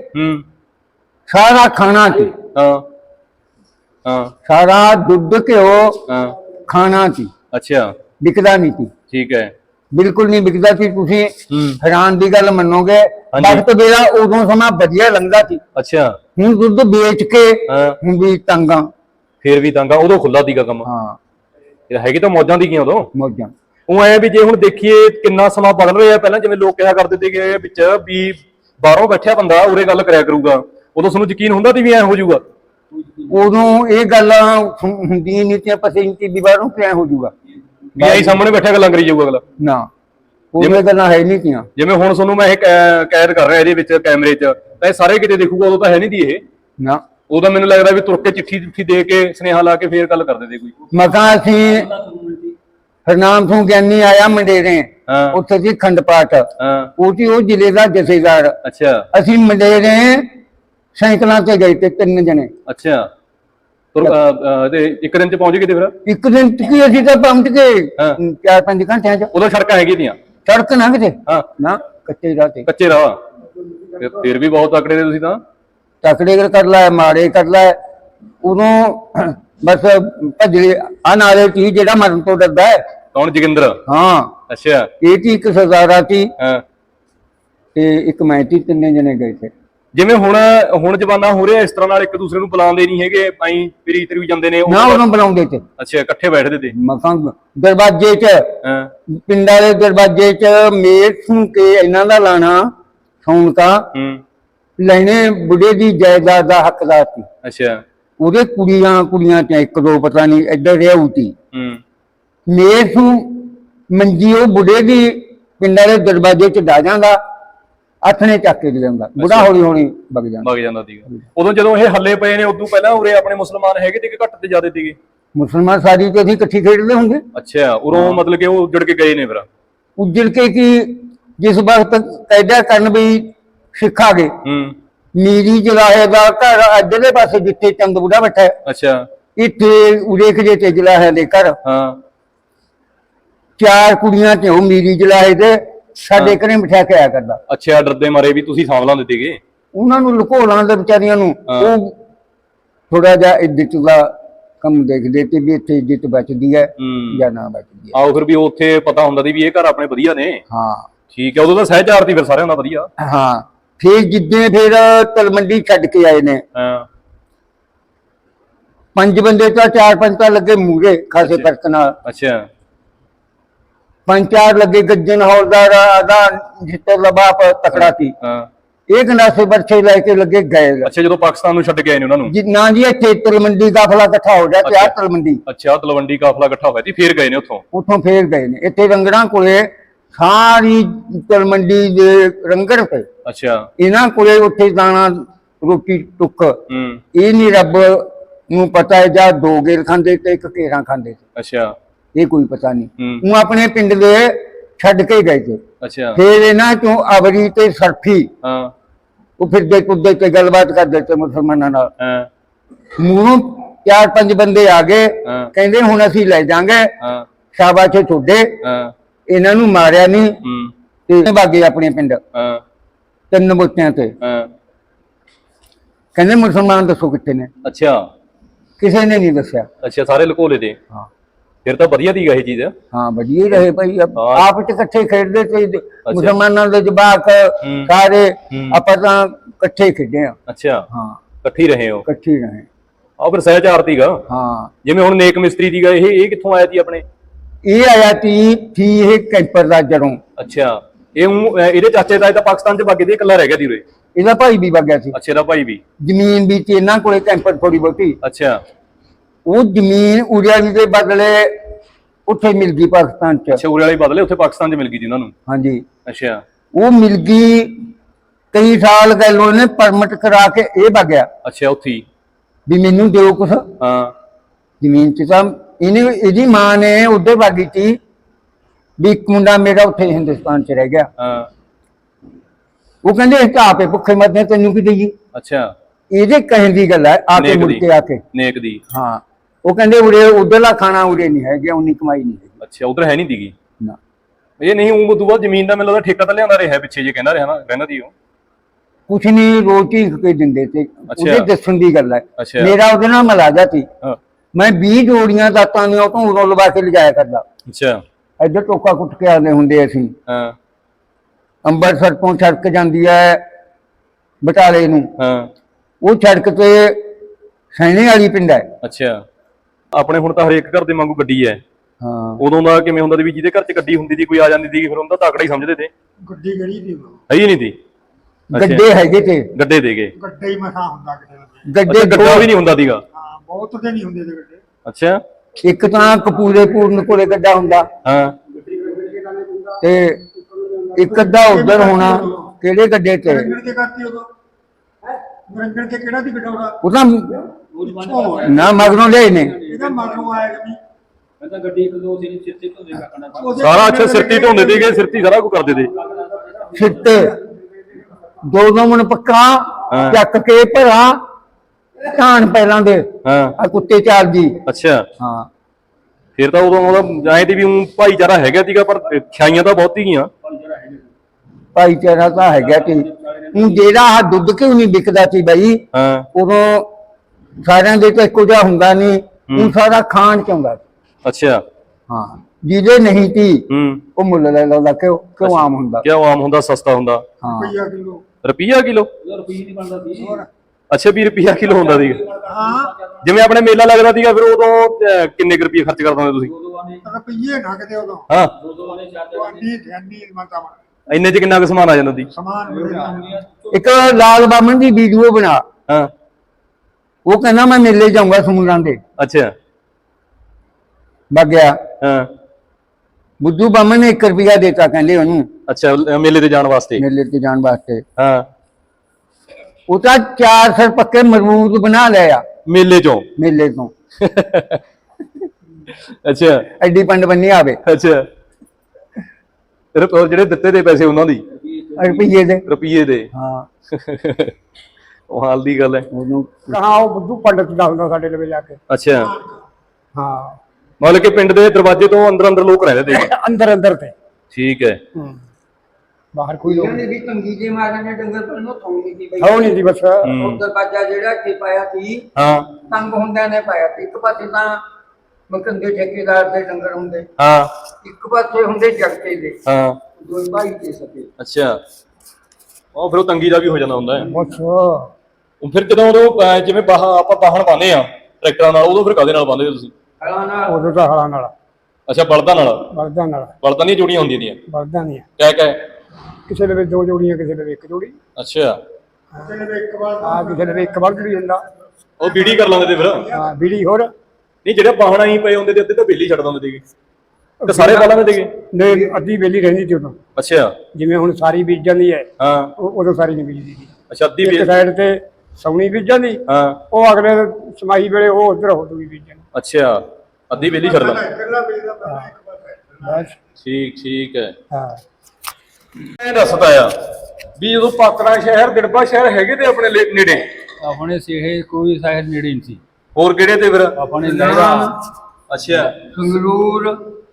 Speaker 1: ਸਾਰਾ ਖਾਣਾ ਸੀ।
Speaker 2: ਹਾਂ ਹਾਂ
Speaker 1: ਸਾਰਾ ਦੁੱਧ ਘਿਓ
Speaker 2: ਹਾਂ।
Speaker 1: ਖਾਣਾ ਸੀ,
Speaker 2: ਅੱਛਾ
Speaker 1: ਵਿਕਦਾ ਨਹੀਂ ਸੀ।
Speaker 2: ਠੀਕ ਹੈ।
Speaker 1: ਬਿਲਕੁਲ ਨਹੀਂ ਵਿਕਦਾ ਸੀ। ਤੁਸੀਂ ਹੈਰਾਨ ਦੀ ਗੱਲ ਮੰਨੋਗੇ,
Speaker 2: ਹਾਂਜੀ।
Speaker 1: ਵਕਤ ਵੇਲਾ ਉਦੋਂ ਸਮਾਂ ਵਧੀਆ ਲੰਘਦਾ ਸੀ।
Speaker 2: ਅੱਛਾ।
Speaker 1: ਹੁਣ ਦੁੱਧ ਵੇਚ ਕੇ
Speaker 2: ਹਾਂ।
Speaker 1: ਹੁਣ ਵੀ ਤੰਗਾ।
Speaker 2: ਫੇਰ ਵੀ ਤੰਗਾ, ਉਦੋਂ ਖੁੱਲਾ ਸੀਗਾ ਕੰਮ।
Speaker 1: ਹਾਂ
Speaker 2: ਇਹ ਹੈਗੀ ਤਾਂ ਮੌਜਾਂ ਦੀ ਉਦੋਂ।
Speaker 1: ਮੌਜਾਂ।
Speaker 2: ਉਹ ਐ ਵੀ ਜੇ ਹੁਣ ਦੇਖੀਏ ਕਿੰਨਾ ਸਮਾਂ ਬਦਲ ਰਿਹਾ। ਪਹਿਲਾਂ ਜਿਵੇਂ ਲੋਕ ਕਿਹਾ ਕਰਦੇ ਸੀਗੇ ਵਿੱਚ ਵੀ ਬਾਹਰੋਂ ਬੈਠਿਆ ਬੰਦਾ ਉਰੇ ਗੱਲ ਕਰਿਆ ਕਰੂਗਾ, ਉਦੋਂ ਤੁਹਾਨੂੰ ਯਕੀਨ ਹੁੰਦਾ ਸੀ ਵੀ ਐ ਹੋ ਜਾਊਗਾ?
Speaker 1: ਉਦੋਂ ਇਹ ਗੱਲਾਂ ਹੁੰਦੀਆਂ ਨਹੀਂ ਸੀ, ਪਸੰਦ ਦੀ ਦੀਵਾਰੋਂ ਕਿਵੇਂ ਹੋ ਜਾਊਗਾ
Speaker 2: ਵੀ ਆਈ ਸਾਹਮਣੇ ਬੈਠਿਆ ਗੱਲਾਂ ਕਰੀ ਜਾਊਗਾ ਅਗਲਾ।
Speaker 1: ਨਾ, ਉਹ ਗੱਲਾਂ ਹੈ ਨਹੀਂ ਤੀਆਂ।
Speaker 2: ਜਿਵੇਂ ਹੁਣ ਤੁਹਾਨੂੰ ਮੈਂ ਇਹ ਕੈਦ ਕਰ ਰਿਹਾ ਇਹਦੇ ਵਿੱਚ ਕੈਮਰੇ 'ਚ, ਤਾਂ ਇਹ ਸਾਰੇ ਕਿਤੇ ਦੇਖੂਗਾ, ਉਦੋਂ ਤਾਂ ਹੈ ਨਹੀਂ ਦੀ ਇਹ।
Speaker 1: ਨਾ,
Speaker 2: ਉਦੋਂ ਮੈਨੂੰ ਲੱਗਦਾ ਵੀ ਤੁਰ ਕੇ ਚਿੱਠੀ ਦੇ ਕੇ ਸੁਨੇਹਾ ਲਾ ਕੇ ਫੇਰ ਗੱਲ ਕਰਦੇ ਤੇ ਕੋਈ।
Speaker 1: ਮਸਾਂ ਅਸੀਂ ਹਰਨਾਮ ਸਿੰਘ ਗਿਆਨੀ ਆਇਆ ਮੰਡੇਰੇ,
Speaker 2: ਹਾਂ
Speaker 1: ਉੱਥੇ ਸੀ ਖੰਡ ਪਾਠ,
Speaker 2: ਹਾਂ।
Speaker 1: ਉਹ ਸੀ ਉਹ ਜ਼ਿਲ੍ਹੇ ਦਾ ਜਥੇਦਾਰ।
Speaker 2: ਅੱਛਾ
Speaker 1: ਅਸੀਂ ਮੰਡੇਰੇ ਸਾਈਕਲਾਂ ਤੇ ਗਏ ਤੇ 3 ਜਣੇ।
Speaker 2: ਅੱਛਾ। ਤੇ ਇੱਕ ਦਿਨ 'ਚ ਪਹੁੰਚ ਗਏ ਤੇ ਫਿਰ?
Speaker 1: ਇੱਕ ਦਿਨ ਕੀ ਅਸੀਂ ਤਾਂ ਪਹੁੰਚ ਗਏ
Speaker 2: ਹਾਂ।
Speaker 1: 4-5 ਘੰਟਿਆਂ ਚ।
Speaker 2: ਉਦੋਂ ਸੜਕਾਂ ਹੈਗੀਆਂ ਤੀਆਂ?
Speaker 1: ਸੜਕ ਨਾ ਕਿਤੇ
Speaker 2: ਹਾਂ
Speaker 1: ਨਾ, ਕੱਚੇ ਰਾਹ ਤੇ।
Speaker 2: ਕੱਚੇ ਰਾਹ। ਫਿਰ ਵੀ ਬਹੁਤ ਤਕੜੇ ਨੇ ਤੁਸੀਂ ਤਾਂ।
Speaker 1: ਤਕੜੇ ਕਰ ਲੈ, ਮਾੜੇ ਕਰ ਲੈ। ਉਦੋਂ ਬਸ ਭੱਜੇ ਆ ਨਾਲੇ ਸੀ ਜਿਹੜਾ ਮਰਨ ਤੋਂ ਡਰਦਾ ਹੈ।
Speaker 2: ਕੌਣ? ਜੋਗਿੰਦਰ?
Speaker 1: ਹਾਂ,
Speaker 2: ਅੱਛਾ।
Speaker 1: ਇਹ ਸੀ ਇੱਕ ਸਰਦਾਰਾ ਸੀ
Speaker 2: ਹਾਂ।
Speaker 1: ਤੇ ਇੱਕ ਮੈਂ ਸੀ, 3 ਜਣੇ ਗਏ ਸੀ।
Speaker 2: ਜਿਵੇਂ ਹੁਣ ਜ਼ਮਾਨਾ ਹੋ ਰਿਹਾ ਇਸ ਤਰ੍ਹਾਂ ਨਾਲ, ਇੱਕ ਦੂਸਰੇ ਨੂੰ ਬੁਲਾਉਂਦੇ ਨਹੀਂ ਹੈਗੇ, ਐਂ ਤੇਰੀ ਤਰੀ ਜਾਂਦੇ ਨੇ
Speaker 1: ਨਾ ਉਦੋਂ ਬਣਾਉਂਦੇ ਤੇ
Speaker 2: ਅੱਛਾ, ਇਕੱਠੇ ਬੈਠਦੇ ਤੇ
Speaker 1: ਮਸਾਂ ਦਰਵਾਜ਼ੇ 'ਚ,
Speaker 2: ਹਾਂ
Speaker 1: ਪਿੰਡਾਂ ਦੇ ਦਰਵਾਜ਼ੇ 'ਚ ਮੇਜ਼ ਸੁਣ ਕੇ ਇਹਨਾਂ ਦਾ ਲਾਣਾ ਸੌਣਕਾ ਲੈਣੇ। ਬੁੱਢੇ ਦੀ ਜਾਇਦਾਦ ਦਾ ਹੱਕਦਾਰ ਸੀ।
Speaker 2: ਅੱਛਾ।
Speaker 1: ਉਹਦੇ ਕੁੜੀਆਂ ਚ 1-2 ਪਤਾ ਨਹੀਂ ਇੱਧਰ ਰਿਹਾ ਉਤੀ ਮੇਜ਼ ਨੂੰ ਮੰਜੀ ਉਹ ਬੁੱਢੇ ਦੀ ਪਿੰਡਾਂ ਦੇ ਦਰਵਾਜ਼ੇ 'ਚ ਡਾ ਜਾਂਦਾ, ਆਥਣੇ ਚੱਕ ਕੇ ਲਿਆਉਂਦਾ। ਬੁੱਢਾ ਹੌਲੀ ਹੌਲੀ ਵਗ ਜਾਂਦਾ
Speaker 2: ਸੀਗਾ। ਉਦੋਂ ਜਦੋਂ ਇਹ ਹੱਲੇ ਪਏ ਨੇ, ਉਦੋਂ ਪਹਿਲਾਂ ਉਰੇ ਆਪਣੇ ਮੁਸਲਮਾਨ ਹੈਗੇ ਤੇ ਕਿ ਘੱਟ ਤੇ ਜ਼ਿਆਦੇ ਸੀਗੇ?
Speaker 1: ਮੁਸਲਮਾਨ ਸਾਰੀ ਤੇ ਅਸੀਂ ਇਕੱਠੀ ਖੇਡਦੇ ਹੁੰਦੇ।
Speaker 2: ਅੱਛਾ, ਉਰੋਂ ਮਤਲਬ ਕਿ ਉਹ ਉੱਜੜ ਕੇ ਗਏ ਨੇ ਫਿਰ?
Speaker 1: ਉੱਜੜ ਕੇ ਕੀ, ਜਿਸ ਵਕਤ ਕਾਇਦਾ ਕਰਨ ਵੀ ਸਿੱਖ ਆ ਗਏ। ਮੀਰੀ ਜਲਾਹੇ ਦਾ ਘਰ ਇੱਧਰਲੇ ਪਾਸੇ ਜਿੱਥੇ ਚੰਦ ਬੁੱਢਾ ਬੈਠਾ ਹੈ।
Speaker 2: ਅੱਛਾ।
Speaker 1: ਇੱਥੇ ਉਰੇਖ ਜੇ ਤੇ ਜਲਾਹੇ ਦੇ ਘਰ
Speaker 2: ਹਾਂ।
Speaker 1: 4 ਕੁੜੀਆਂ ਤੇ ਉਹ ਮੀਰੀ ਜਲਾਹੇ ਦੇ ਸਾਡੇ ਘਰੇ ਬਿਠਾ ਕੇ ਆਇਆ ਕਰਦਾ।
Speaker 2: ਅੱਛਾ, ਡਰਦੇ ਮਾਰੇ ਵੀ ਤੁਸੀਂ ਸਾਂਭ ਲਾਂਦੇ ਸੀਗੇ
Speaker 1: ਉਹਨਾਂ ਨੂੰ ਲੁਕੋ ਲਾਂਦੇ ਵਿਚਾਰੀਆਂ ਨੂੰ। ਉਹ ਥੋੜਾ ਜਿਹਾ ਇੱਜ਼ਤ ਦਾ ਕੰਮ ਦੇਖਦੇ ਤੇ ਵੀ ਇੱਥੇ ਇੱਜ਼ਤ ਬਚਦੀ ਹੈ ਜਾਂ ਨਾ ਬਚਦੀ ਹੈ।
Speaker 2: ਆਓ ਫਿਰ ਵੀ ਉੱਥੇ ਪਤਾ ਹੁੰਦਾ ਸੀ ਵੀ ਇਹ ਘਰ ਆਪਣੇ ਵਧੀਆ ਨੇ।
Speaker 1: ਹਾਂ
Speaker 2: ਠੀਕ ਹੈ। ਉਦੋਂ ਤਾਂ ਸਹਿਜਾਰ ਸੀ ਫਿਰ ਸਾਰਿਆਂ ਦਾ ਵਧੀਆ।
Speaker 1: ਹਾਂ। ਫਿਰ ਜਿੱਦੇ ਫਿਰ ਤਲਮੰਡੀ ਛੱਡ ਕੇ ਆਏ ਨੇ,
Speaker 2: ਹਾਂ
Speaker 1: 5 ਬੰਦੇ ਤਾਂ 4-5 ਤਾਂ ਲੱਗੇ ਮੂਰੇ ਖਾਸੇ ਫਰਕ ਨਾਲ।
Speaker 2: ਅੱਛਾ।
Speaker 1: 5-4 ਲੱਗੇ ਗੱਜਨ ਹੌਲਦਾਰ ਦਾ ਜਿੱਤੇ ਲਬਾਪ ਤਕੜਾ ਸੀ।
Speaker 2: ਹਾਂ।
Speaker 1: ਇਹ ਗੰਡਾਸੇ ਬਰਛੇ ਲੈ ਕੇ ਲੱਗੇ ਗਏ।
Speaker 2: ਅੱਛਾ, ਜਦੋਂ ਪਾਕਿਸਤਾਨ ਨੂੰ ਛੱਡ ਕੇ ਆਏ ਨੇ ਉਹਨਾਂ ਨੂੰ?
Speaker 1: ਨਾ ਜੀ, ਇੱਥੇ ਤਲਮੰਡੀ ਕਾਫਲਾ ਇਕੱਠਾ ਹੋ ਗਿਆ ਤੇ ਆ ਤਲਮੰਡੀ।
Speaker 2: ਅੱਛਾ, ਤਲਵੰਡੀ ਕਾਫਲਾ ਇਕੱਠਾ ਹੋਇਆ ਸੀ, ਫੇਰ ਗਏ ਨੇ ਉੱਥੋਂ
Speaker 1: ਫੇਰ ਗਏ ਨੇ। ਇੱਥੇ ਰੰਗੜਾਂ ਕੋਲੇ ਸਾਰੀ ਤਲਮੰਡੀ ਦੇ ਰੰਗੜ ਤੇ।
Speaker 2: ਅੱਛਾ।
Speaker 1: ਇਹਨਾਂ ਕੋਲੇ ਉੱਥੇ ਦਾਣਾ ਰੋਟੀ ਟੁੱਕ ਇਹ ਨਹੀਂ ਰੱਬ ਨੂੰ ਪਤਾ ਹੈ, ਜਾਂ 2 ਗੇਰ ਖਾਂਦੇ ਤੇ 1 ਘੇਰਾ ਖਾਂਦੇ ਤੇ।
Speaker 2: ਅੱਛਾ।
Speaker 1: ਇਹ ਕੋਈ ਪਤਾ ਨਹੀਂ। ਉਹ ਆਪਣੇ ਪਿੰਡ ਦੇ ਛੱਡ ਕੇ ਗਏ ਤੇ।
Speaker 2: ਅੱਛਾ।
Speaker 1: ਫੇਰ ਇਹਨਾਂ ਚੋਂ ਅਵਰੀ ਤੇ ਸਰਫੀ
Speaker 2: ਹਾਂ
Speaker 1: ਉਹ ਫਿਰਦੇ ਤੁਰਦੇ ਤੇ ਗੱਲਬਾਤ ਕਰਦੇ ਤੇ ਮੁਸਲਮਾਨਾਂ ਨਾਲ।
Speaker 2: ਹਾਂ।
Speaker 1: ਮੂਹਰੋਂ 4-5 ਬੰਦੇ ਆ ਗਏ, ਕਹਿੰਦੇ ਹੁਣ ਅਸੀਂ ਲੈ ਜਾਾਂਗੇ, ਸ਼ਾਬਾਸ਼ ਤੁਹਾਡੇ, ਇਹਨਾਂ ਨੂੰ ਮਾਰਿਆ ਨਹੀਂ ਤੇ ਭਾਗੇ ਆਪਣੇ ਪਿੰਡ 3 ਬੋਤਿਆਂ ਤੇ। ਕਹਿੰਦੇ ਮੁਸਲਮਾਨ ਦੱਸੋ ਕਿੱਥੇ ਨੇ?
Speaker 2: ਅੱਛਾ।
Speaker 1: ਕਿਸੇ ਨੇ ਨਹੀਂ ਦੱਸਿਆ।
Speaker 2: ਅੱਛਾ, ਸਾਰੇ ਲੁਕੋਲੇ ਤੇ।
Speaker 1: ਹਾਂ।
Speaker 2: ਫਿਰ ਤਾਂ ਵਧੀਆ ਸੀਗਾ ਇਹ ਚੀਜ਼।
Speaker 1: ਹਾਂ, ਵਧੀਆ ਹੀ ਰਹੇ ਭਾਈ। ਆਪ ਚ ਇਕੱਠੇ ਖੇਡਦੇ ਤੇ ਮੁਸਲਮਾਨਾਂ ਦੇ ਜਵਾਕ ਸਾਰੇ ਆਪਾਂ ਤਾਂ ਇਕੱਠੇ ਖੇਡੇ ਆ।
Speaker 2: ਅੱਛਾ।
Speaker 1: ਹਾਂ,
Speaker 2: ਇਕੱਠੇ ਰਹੇ ਹੋ?
Speaker 1: ਇਕੱਠੇ ਰਹੇ।
Speaker 2: ਆ ਫਿਰ ਸਹਿਜਾਰ ਸੀਗਾ।
Speaker 1: ਹਾਂ।
Speaker 2: ਜਿਵੇਂ ਹੁਣ ਨੇਕ ਮਿਸਤਰੀ ਸੀਗਾ, ਇਹ ਕਿੱਥੋਂ ਆਇਆ ਸੀ ਆਪਣੇ?
Speaker 1: ਇਹ ਆਇਆ ਤੀ ਇਹ ਕੈਂਪਰ ਦਾ ਜੜੋਂ।
Speaker 2: ਅੱਛਾ, ਇਹਦੇ ਚਾਚੇ ਤਾਏ ਤਾਂ ਪਾਕਿਸਤਾਨ ਚ ਬਾਗੇ ਦੀ ਇਕੱਲਾ ਰਹਿ ਗਿਆ ਦੀ ਉਰੇ।
Speaker 1: ਇਹਦਾ ਭਾਈ ਵੀ ਵਗ ਗਿਆ ਸੀ।
Speaker 2: ਅੱਛਾ, ਇਹਦਾ ਭਾਈ ਵੀ।
Speaker 1: ਜ਼ਮੀਨ ਵੀ ਤੇ ਇਹਨਾਂ ਕੋਲੇ ਕੈਂਪਰ ਥੋੜੀ ਬਹੁਤੀ।
Speaker 2: ਅੱਛਾ,
Speaker 1: ਉਹ ਜ਼ਮੀਨ ਉਰੇ ਦੇ ਬਦਲੇ ਉੱਥੇ ਮਿਲ ਗਈ ਪਾਕਿਸਤਾਨ ਚ।
Speaker 2: ਅੱਛਾ, ਉਰੇ ਵਾਲੀ ਬਦਲੇ ਉੱਥੇ ਪਾਕਿਸਤਾਨ ਚ ਮਿਲ ਗਈ ਜੀ ਉਹਨਾਂ ਨੂੰ।
Speaker 1: ਹਾਂਜੀ,
Speaker 2: ਅੱਛਾ,
Speaker 1: ਉਹ ਮਿਲ ਗਈ। ਕਈ ਸਾਲ ਗਏ ਉਹਨੇ ਪਰਮਿਟ ਕਰਾ ਕੇ ਇਹ ਵਗ ਗਿਆ।
Speaker 2: ਅੱਛਾ, ਉੱਥੇ ਹੀ।
Speaker 1: ਵੀ ਮੈਨੂੰ ਦਿਓ ਕੁਛ
Speaker 2: ਹਾਂ,
Speaker 1: ਜ਼ਮੀਨ ਚ। ਤਾਂ ਇਹਦੀ ਮਾਂ ਨੇ ਉੱਧਰ ਵਾਗੀ ਸੀ ਵੀ ਇੱਕ ਮੁੰਡਾ ਮੇਰਾ ਉੱਥੇ ਹਿੰਦੁਸਤਾਨ ਚ ਰਹਿ ਗਿਆ।
Speaker 2: ਹਾਂ,
Speaker 1: ਉਹ ਕਹਿੰਦੇ ਅਸੀਂ ਤਾਂ ਆਪੇ ਭੁੱਖੇ ਮਰਦੇ, ਤੈਨੂੰ ਕੀ ਦੇਈਏ।
Speaker 2: ਅੱਛਾ,
Speaker 1: ਇਹਦੇ ਕਹਿਣ ਦੀ ਗੱਲ ਹੈ, ਆ ਕੇ
Speaker 2: ਨੇਕ
Speaker 1: ਮੁੜ
Speaker 2: ਦੀ।
Speaker 1: ਕੇ ਆ ਕੇ।
Speaker 2: ਨੇਕ ਦੀ।
Speaker 1: ਹਾਂ, ਉਹ ਕਹਿੰਦੇ ਉਰੇ ਉਧਰਲਾ ਖਾਣਾ ਉਰੇ ਨਹੀਂ ਹੈਗਾ, ਉਨੀ ਕਮਾਈ ਨਹੀਂ ਹੈਗੀ।
Speaker 2: ਅੱਛਾ, ਉਧਰ ਹੈ ਨਹੀਂ ਦੀਗੀ
Speaker 1: ਨਾ,
Speaker 2: ਇਹ ਨਹੀਂ। ਉਹ ਤੋਂ ਬਾਅਦ ਜ਼ਮੀਨ ਦਾ ਮੈਨੂੰ ਲੱਗਦਾ ਠੇਕਾ ਤਾਂ ਲਿਆਉਂਦਾ ਰਿਹਾ ਪਿੱਛੇ ਜੇ ਕਹਿੰਦਾ ਰਿਹਾ ਨਾ, ਕਹਿੰਦਾ ਸੀ ਉਹ।
Speaker 1: ਕੁਛ ਨਹੀਂ, ਰੋਜ਼ ਝੀਕ ਕੇ ਦਿੰਦੇ ਤੇ। ਉਹਦੇ ਦੱਸਣ ਦੀ ਗੱਲ ਹੈ।
Speaker 2: ਅੱਛਾ।
Speaker 1: ਮੇਰਾ ਉਹਦੇ ਨਾਲ ਮਲਾਜਾ ਸੀ।
Speaker 2: ਹਾਂ,
Speaker 1: ਮੈਂ 20 ਜੋੜੀਆਂ ਦਾਤਾਂ ਦੀਆਂ ਉਹ ਤੋਂ ਉਰੋਂ ਲਵਾ ਕੇ ਲਿਜਾਇਆ ਕਰਦਾ।
Speaker 2: ਅੱਛਾ।
Speaker 1: ਇੱਧਰ ਟੋਕਾ ਕੁੱਟ ਕੇ ਆਉਂਦੇ ਹੁੰਦੇ ਅਸੀਂ।
Speaker 2: ਹਾਂ,
Speaker 1: ਅੰਬਰਸਰ ਤੋਂ ਸੜਕ ਜਾਂਦੀ ਹੈ ਬਟਾਲੇ ਨੂੰ।
Speaker 2: ਹਾਂ,
Speaker 1: ਉਹ ਸੜਕ ਤੇ ਸੈਣੇ ਵਾਲੀ ਪਿੰਡ ਹੈ।
Speaker 2: ਅੱਛਾ। ਆਪਣੇ ਹੁਣ ਤਾਂ ਹਰੇਕ ਘਰ ਦੇ ਵਾਂਗੂ ਗੱਡੀ ਹੈ।
Speaker 1: ਹਾਂ,
Speaker 2: ਉਦੋਂ ਦਾ ਕਿਵੇਂ ਹੁੰਦਾ ਸੀ ਵੀ ਜਿਹਦੇ ਘਰ 'ਚ ਗੱਡੀ ਹੁੰਦੀ ਸੀ, ਕੋਈ ਆ ਜਾਂਦੀ ਸੀ, ਫਿਰ ਉਹਨੂੰ ਤਾਂ ਤਾਕੜਾ ਹੀ ਸਮਝਦੇ ਤੇ।
Speaker 3: ਗੱਡੀ ਗੜੀ ਦੀ
Speaker 2: ਹੈ ਹੀ ਨਹੀਂ ਸੀ।
Speaker 1: ਗੱਡੇ ਹੈਗੇ ਤੇ।
Speaker 2: ਗੱਡੇ ਦੇਗੇ।
Speaker 3: ਗੱਡੇ ਹੀ ਮਸਾ ਹੁੰਦਾ ਕਿਤੇ ਨਾ ਕਿਤੇ।
Speaker 1: ਗੱਡੇ
Speaker 2: ਗੱਡਾ ਵੀ ਨਹੀਂ ਹੁੰਦਾ ਸੀਗਾ।
Speaker 3: ਹਾਂ, ਬਹੁਤ ਦੇ ਨਹੀਂ ਹੁੰਦੇ ਤੇ ਗੱਡੇ।
Speaker 2: ਅੱਛਾ।
Speaker 1: ਇੱਕ ਤਾਂ ਕਪੂਰੇ ਪੂਰਨ ਕੋਲੇ ਗੱਡਾ ਹੁੰਦਾ
Speaker 2: ਹਾਂ,
Speaker 1: ਤੇ ਇੱਕ ਅੱਧਾ ਉਧਰ ਹੋਣਾ। ਕਿਹੜੇ ਗੱਡੇ ਤੇ?
Speaker 3: ਰੰਗਣ ਦੇ ਕਰਤੀ ਉਦੋਂ ਰੰਗਣ ਤੇ ਕਿਹੜਾ ਦੀ ਗੱਡਾ
Speaker 1: ਉਹ ਤਾਂ ਨਾ ਮਗਰੋਂ ਲਏ ਨੇ।
Speaker 3: ਇਹਦਾ ਮਗਰੋਂ ਆਇਆ ਕਿ
Speaker 4: ਮੈਂ ਤਾਂ ਗੱਡੀ ਇੱਕ ਦੋ ਦਿਨ ਸਿਰ ਤੇ ਧੋਦੇ ਕੱਕਣਾ
Speaker 2: ਸਾਰਾ ਅੱਛਾ ਸਿਰਤੀ ਢੋਂਦੇ ਸੀਗੇ, ਸਿਰਤੀ ਸਾਰਾ ਕੁਝ ਕਰਦੇ ਸੀ।
Speaker 1: ਸਿੱਟੇ ਦੋ ਮਣ ਪੱਕਾ
Speaker 2: ਹਾਂ।
Speaker 1: ਚੱਕ ਕੇ ਭਰਾ ਧਾਨ ਪਹਿਲਾਂ ਦੇ
Speaker 2: ਹਾਂ,
Speaker 1: ਆ ਕੁੱਤੇ ਚਾਰ ਜੀ।
Speaker 2: ਅੱਛਾ।
Speaker 1: ਹਾਂ,
Speaker 2: ਫਿਰ ਤਾਂ ਉਦੋਂ ਉਹਦਾ ਐਂ ਤੇ ਵੀ ਊਂ ਭਾਈਚਾਰਾ ਹੈਗਾ ਸੀਗਾ, ਪਰ ਖਿਆਈਆਂ ਤਾਂ ਬਹੁਤ ਸੀਗੀਆਂ।
Speaker 1: ਭਾਈਚਾਰਾ ਤਾਂ ਹੈਗਾ ਤੇ ਹੁਣ ਜਿਹੜਾ ਆ ਦੁੱਧ ਕਿਉਂ ਨਹੀਂ ਵਿਕਦਾ ਸੀ ਬਾਈ,
Speaker 2: ਹਾਂ,
Speaker 1: ਉਦੋਂ ਸਾਰਿਆਂ ਦੇ ਤਾਂ ਇੱਕੋ ਜਿਹਾ ਹੁੰਦਾ ਨਹੀਂ। ਉਹ ਸਾਰਾ ਖਾਣ ਚ ਆਉਂਦਾ ਸੀ।
Speaker 2: ਅੱਛਾ।
Speaker 1: ਹਾਂ, ਜਿਹਦੇ ਨਹੀਂ ਸੀ
Speaker 2: ਹੂੰ,
Speaker 1: ਉਹ ਮੁੱਲ ਲੈ ਲਾਉਂਦਾ। ਕਿਉਂ ਆਮ ਹੁੰਦਾ।
Speaker 2: ਕਿਆ ਆਮ ਹੁੰਦਾ, ਸਸਤਾ ਹੁੰਦਾ।
Speaker 1: ਹਾਂ,
Speaker 3: ਰੁਪਈਆ ਕਿਲੋ।
Speaker 2: ਰੁਪਈਆ ਕਿਲੋ?
Speaker 4: ਰੁਪਈਏ ਨਹੀਂ ਬਣਦਾ ਸੀ।
Speaker 2: ਅੱਛਾ, 20 ਰੁਪਈਆ ਕਿਲੋ ਹੁੰਦਾ ਸੀਗਾ।
Speaker 3: ਹਾਂ,
Speaker 2: ਜਿਵੇਂ ਆਪਣੇ ਮੇਲਾ ਲੱਗਦਾ ਸੀਗਾ, ਫਿਰ ਉਦੋਂ ਕਿੰਨੇ ਕੁ ਰੁਪਈਏ ਖਰਚ ਕਰ ਦਿੰਦੇ ਤੁਸੀਂ?
Speaker 4: ਦੋ ਆਨੇ
Speaker 3: ਰੁਪਈਏ ਨਾ ਕਿਤੇ ਉਦੋਂ
Speaker 2: ਹਾਂ,
Speaker 4: ਦੋ ਆਨੇ ਚਾਰ
Speaker 3: ਤੁਹਾਡੀ ਧਿਆਨੀ ਮਤਾ
Speaker 2: ਇੰਨੇ ਚ ਕਿੰਨਾ ਕੁ ਸਮਾਨ ਆ ਜਾਂਦਾ ਸੀ?
Speaker 3: ਸਮਾਨ ਮਿਲਦਾ।
Speaker 1: ਇੱਕ ਲਾਲ ਬਾਮਣ ਦੀ ਵੀਡੀਓ ਬਣਾ।
Speaker 2: ਹਾਂ,
Speaker 1: ਉਹ ਕਹਿੰਦਾ ਮੈਂ ਮੇਲੇ ਜਾਊਂਗਾ ਸਮੁੰਦਰਾਂ ਦੇ।
Speaker 2: ਅੱਛਾ।
Speaker 1: ਵਗ ਗਿਆ।
Speaker 2: ਹਾਂ,
Speaker 1: ਬੁੱਧੂ ਬਾਮਣ ਨੇ 1 ਰੁਪਿਆ ਦੇਤਾ ਕਹਿੰਦੇ ਉਹਨੂੰ
Speaker 2: ਅੱਛਾ, ਮੇਲੇ ਤੇ ਜਾਣ ਵਾਸਤੇ।
Speaker 1: ਮੇਲੇ ਤੇ ਜਾਣ ਵਾਸਤੇ।
Speaker 2: ਹਾਂ,
Speaker 1: ਉਹ ਤਾਂ 400 ਪੱਕੇ ਮਰਬੂਤ ਬਣਾ ਲਿਆ
Speaker 2: ਮੇਲੇ ਚੋਂ।
Speaker 1: ਮੇਲੇ ਤੋਂ।
Speaker 2: ਅੱਛਾ,
Speaker 1: ਐਡੀ ਪੰਡ ਬੰਨੀ ਆਵੇ
Speaker 2: ਅੱਛਾ। ਜਿਹੜੇ ਦਿੱਤੇ ਦੇ ਪੈਸੇ ਉਹਨਾਂ ਦੀ
Speaker 1: ਰੁਪਈਏ ਦੇ।
Speaker 2: ਰੁਪਈਏ ਦੇ।
Speaker 1: ਹਾਂ,
Speaker 2: ਉਹ ਹਾਲ ਦੀ ਗੱਲ ਹੈ।
Speaker 1: ਉਹਨੂੰ
Speaker 3: ਕਹਾ ਉਹ ਬੁੱਧੂ ਪੰਡਤ ਦਾ ਹੁੰਦਾ ਸਾਡੇ ਲਵੇ ਜਾ ਕੇ।
Speaker 2: ਅੱਛਾ,
Speaker 3: ਹਾਂ,
Speaker 2: ਮਤਲਬ ਕਿ ਪਿੰਡ ਦੇ ਦਰਵਾਜ਼ੇ ਤੋਂ ਅੰਦਰ ਅੰਦਰ ਲੋਕ ਰਹਿੰਦੇ ਸੀ।
Speaker 3: ਅੰਦਰ ਅੰਦਰ ਤੇ
Speaker 2: ਠੀਕ ਹੈ।
Speaker 3: ਬਾਹਰ ਕੋਈ ਲੋਕ
Speaker 1: ਵੀ ਤੰਗੀ ਦੇ ਮਾਰਨ ਨੇ ਡੰਗਰ ਪਰ ਨੂੰ ਥੋੜੀ ਦੀ ਬਈ।
Speaker 3: ਹੋ ਨਹੀਂ ਦੀ ਬਸ।
Speaker 2: ਹੂੰ।
Speaker 1: ਉਧਰ ਬਾਜਾ ਜਿਹੜਾ ਕਿ ਪਾਇਆ ਸੀ
Speaker 2: ਹਾਂ,
Speaker 1: ਤੰਗ ਹੁੰਦਿਆਂ ਨੇ ਪਾਇਆ ਸੀ। ਇੱਕ ਪਾਸੇ ਤਾਂ ਮਕੰਦੇ ਠੇਕੇਦਾਰ ਦੇ ਡੰਗਰ ਹੁੰਦੇ,
Speaker 2: ਹਾਂ,
Speaker 1: ਇੱਕ ਪਾਸੇ ਹੁੰਦੇ ਜਗਤੇ ਦੇ।
Speaker 2: ਹਾਂ।
Speaker 1: ਦੋ ਭਾਈ ਤੇ ਸਕੇ।
Speaker 2: ਅੱਛਾ, ਉਹ ਫਿਰ ਉਹ ਤੰਗੀ ਦਾ ਵੀ ਹੋ ਜਾਂਦਾ ਹੁੰਦਾ ਹੈ।
Speaker 3: ਬਸ
Speaker 2: ਉਹ ਫਿਰ ਜਦੋਂ ਜਿਵੇਂ ਆਪਾਂ ਵਾਹਣ ਪਾਉਂਦੇ ਆ ਟਰੈਕਟਰਾਂ ਨਾਲ, ਉਦੋਂ ਫਿਰ ਕਾਹਦੇ ਨਾਲ ਪਾਉਂਦੇ ਹੋ ਤੁਸੀਂ?
Speaker 1: ਹਲਾਂ ਨਾਲ।
Speaker 3: ਉਦੋਂ ਤਾਂ ਹਲਾਂ ਨਾਲ
Speaker 2: ਅੱਛਾ, ਬਲਦਾਂ ਨਾਲ।
Speaker 3: ਬਲਦਾਂ ਨਾਲ।
Speaker 2: ਬਲਦਾਂ ਦੀਆਂ ਜੋੜੀਆਂ ਹੁੰਦੀਆਂ ਦੀਆਂ?
Speaker 3: ਬਲਦਾਂ ਦੀਆਂ
Speaker 2: ਕਹਿ ਕਹਿ।
Speaker 3: ਕਿਸੇ ਲਵੇ 2 ਜੋੜੀਆਂ, ਕਿਸੇ ਲਵੇ 1 ਜੋੜੀ।
Speaker 2: ਅੱਛਾ,
Speaker 3: ਕਿਸੇ ਲਵੇ 1 ਵਾਰ। ਹਾਂ, ਕਿਸੇ ਲਵੇ 1 ਵਾਰ ਜੁੜੀ ਜਾਂਦਾ।
Speaker 2: ਉਹ ਬੀੜੀ ਕਰ ਲਾਉਂਦੇ ਤੇ ਫਿਰ?
Speaker 3: ਹਾਂ, ਬੀੜੀ ਹੋਰ
Speaker 2: ਨਹੀਂ, ਜਿਹੜੇ ਵਾਹਣ ਆਈ ਪਏ ਹੁੰਦੇ ਤੇ ਅੱਧੇ ਤਾਂ ਬੇਲੀ ਛੱਡ ਦਿੰਦੇ ਸੀਗੇ ਤੇ ਸਾਰੇ ਪਾ ਲੈਂਦੇ ਸੀਗੇ?
Speaker 3: ਨਹੀਂ, ਅੱਧੀ ਵੇਲੀ ਰਹਿੰਦੀ ਸੀ ਉਦੋਂ।
Speaker 2: ਅੱਛਾ।
Speaker 3: ਜਿਵੇਂ ਹੁਣ ਸਾਰੀ ਬੀਜ ਜਾਂਦੀ ਹੈ,
Speaker 2: ਹਾਂ,
Speaker 3: ਉਦੋਂ ਸਾਰੀ ਨਹੀਂ ਬੀਜਦੀ ਸੀ।
Speaker 2: ਅੱਛਾ, ਅੱਧੀ
Speaker 3: ਇੱਕ ਸਾਈਡ ਤੇ ਸੌਣੀ ਬੀਜ ਜਾਂਦੀ,
Speaker 2: ਹਾਂ,
Speaker 3: ਉਹ ਅਗਲੇ ਸਮਾਹੀ ਵੇਲੇ ਉਹ ਉਧਰ ਹੋ ਦੂਗੀ ਬੀਜਣ।
Speaker 2: ਅੱਛਾ, ਅੱਧੀ ਬੇਲੀ ਛੱਡ ਦਿੰਦੇ।
Speaker 3: ਬਸ।
Speaker 2: ਠੀਕ ਹੈ।
Speaker 3: ਹਾਂ,
Speaker 2: ਮੈਂ ਦੱਸਦਾ ਆ ਵੀ ਜਦੋਂ ਪਾਤੜਾ ਸ਼ਹਿਰ ਦਿੜਬਾ ਸ਼ਹਿਰ ਹੈਗੇ ਤੇ ਆਪਣੇ ਨੇੜੇ,
Speaker 4: ਆਪਣੇ ਸਿਹੇ ਕੋਈ ਸ਼ਹਿਰ ਨੇੜੇ ਨਹੀਂ ਸੀ।
Speaker 2: ਹੋਰ ਕਿਹੜੇ ਤੇ ਫਿਰ?
Speaker 4: ਆਪਣੇ ਲਹਿਰਾ,
Speaker 2: ਅੱਛਾ,
Speaker 1: ਸੰਗਰੂਰ,